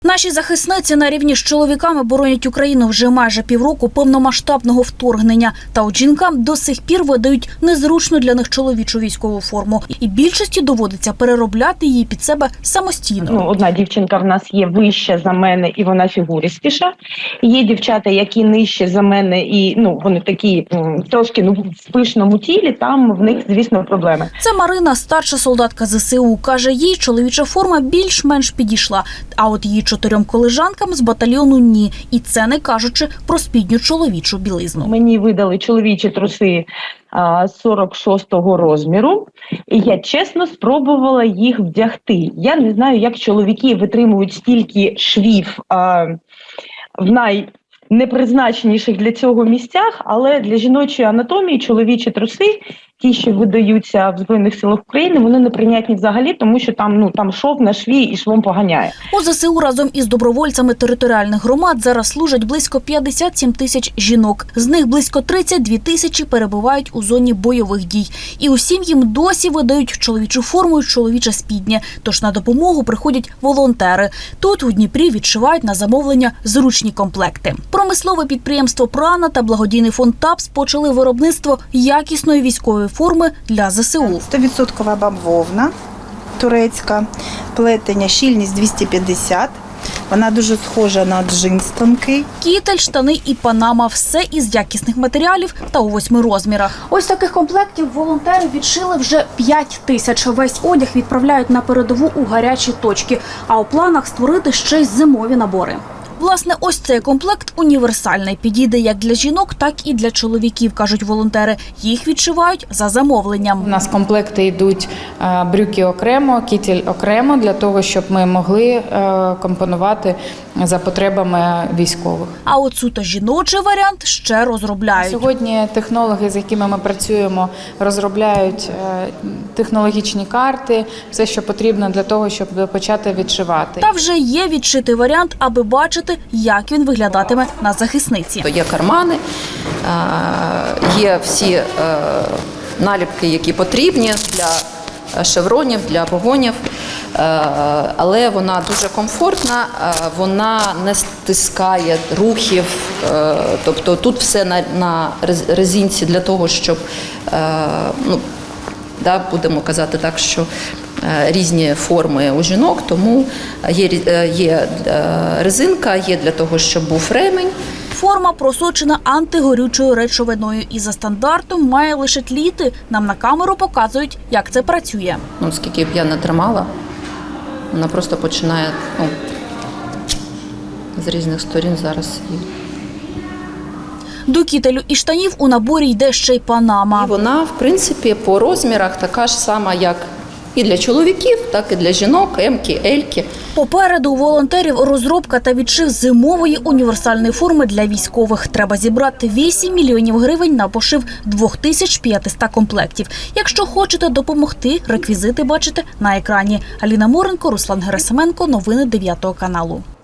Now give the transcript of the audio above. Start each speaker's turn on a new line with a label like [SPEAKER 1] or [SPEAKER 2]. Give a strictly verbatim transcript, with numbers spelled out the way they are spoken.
[SPEAKER 1] Наші захисниці на рівні з чоловіками боронять Україну вже майже півроку повномасштабного вторгнення. Та от жінкам до сих пір видають незручну для них чоловічу військову форму. І більшості доводиться переробляти її під себе самостійно.
[SPEAKER 2] Ну, одна дівчинка в нас є вища за мене і вона фігуристіша. Є дівчата, які нижче за мене і ну вони такі м, трошки ну, в пишному тілі, там в них, звісно, проблеми.
[SPEAKER 1] Це Марина, старша солдатка зе се у. Каже, їй чоловіча форма більш-менш підійшла. А от її чотирьом колежанкам з батальйону – ні. І це не кажучи про спідню чоловічу білизну.
[SPEAKER 2] Мені видали чоловічі труси а, сорок шостого розміру, і я чесно спробувала їх вдягти. Я не знаю, як чоловіки витримують стільки швів а, в найнепризначеніших для цього місцях, але для жіночої анатомії чоловічі труси, ті, що видаються в Збройних силах України, вони неприйнятні взагалі, тому що там, ну, там шов на шві і швом поганяє.
[SPEAKER 1] У зе се у разом із добровольцями територіальних громад зараз служать близько п'ятдесят сім тисяч жінок. З них близько тридцять дві тисячі перебувають у зоні бойових дій. І усім їм досі видають чоловічу форму і чоловіче спіднє. Тож на допомогу приходять волонтери. Тут у Дніпрі відшивають на замовлення зручні комплекти. Промислове підприємство «Прана» та благодійний фонд ТАПС почали виробництво якісної військової форми для зе се у.
[SPEAKER 3] сто відсотків бавовна турецька, плетення, щільність двісті п'ятдесят. Вона дуже схожа на джинс тонкий.
[SPEAKER 1] Кітель, штани і панама – все із якісних матеріалів та у восьми розмірах. Ось таких комплектів волонтери відшили вже п'ять тисяч. Весь одяг відправляють на передову у гарячі точки. А у планах створити ще й зимові набори. Власне, ось цей комплект універсальний. Підійде як для жінок, так і для чоловіків, кажуть волонтери. Їх відшивають за замовленням.
[SPEAKER 4] У нас комплекти йдуть брюки окремо, кітель окремо, для того, щоб ми могли компонувати за потребами військових.
[SPEAKER 1] А от суто жіночий варіант ще розробляють.
[SPEAKER 4] Сьогодні технологи, з якими ми працюємо, розробляють технологічні карти, все, що потрібно для того, щоб почати відшивати.
[SPEAKER 1] Та вже є відшитий варіант, аби бачити, як він виглядатиме на захисниці.
[SPEAKER 5] Є кармани, є всі наліпки, які потрібні для шевронів, для погонів, але вона дуже комфортна, вона не стискає рухів, тобто тут все на, на резинці для того, щоб, ну, да, будемо казати так, що різні форми у жінок, тому є, є резинка, є для того, щоб був ремень.
[SPEAKER 1] Форма просочена антигорючою речовиною і за стандартом має лише тліти. Нам на камеру показують, як це працює.
[SPEAKER 5] Ну, скільки б я не тримала, вона просто починає, ну, з різних сторін зараз.
[SPEAKER 1] До кітелю і штанів у наборі йде ще й панама.
[SPEAKER 5] І вона, в принципі, по розмірах така ж сама, як і для чоловіків, так і для жінок, емки, ельки.
[SPEAKER 1] Попереду у волонтерів розробка та відшив зимової універсальної форми для військових. Треба зібрати вісім мільйонів гривень на пошив дві тисячі п'ятсот комплектів. Якщо хочете допомогти, реквізити бачите на екрані. Аліна Моренко, Руслан Герасименко. Новини дев'ятого каналу.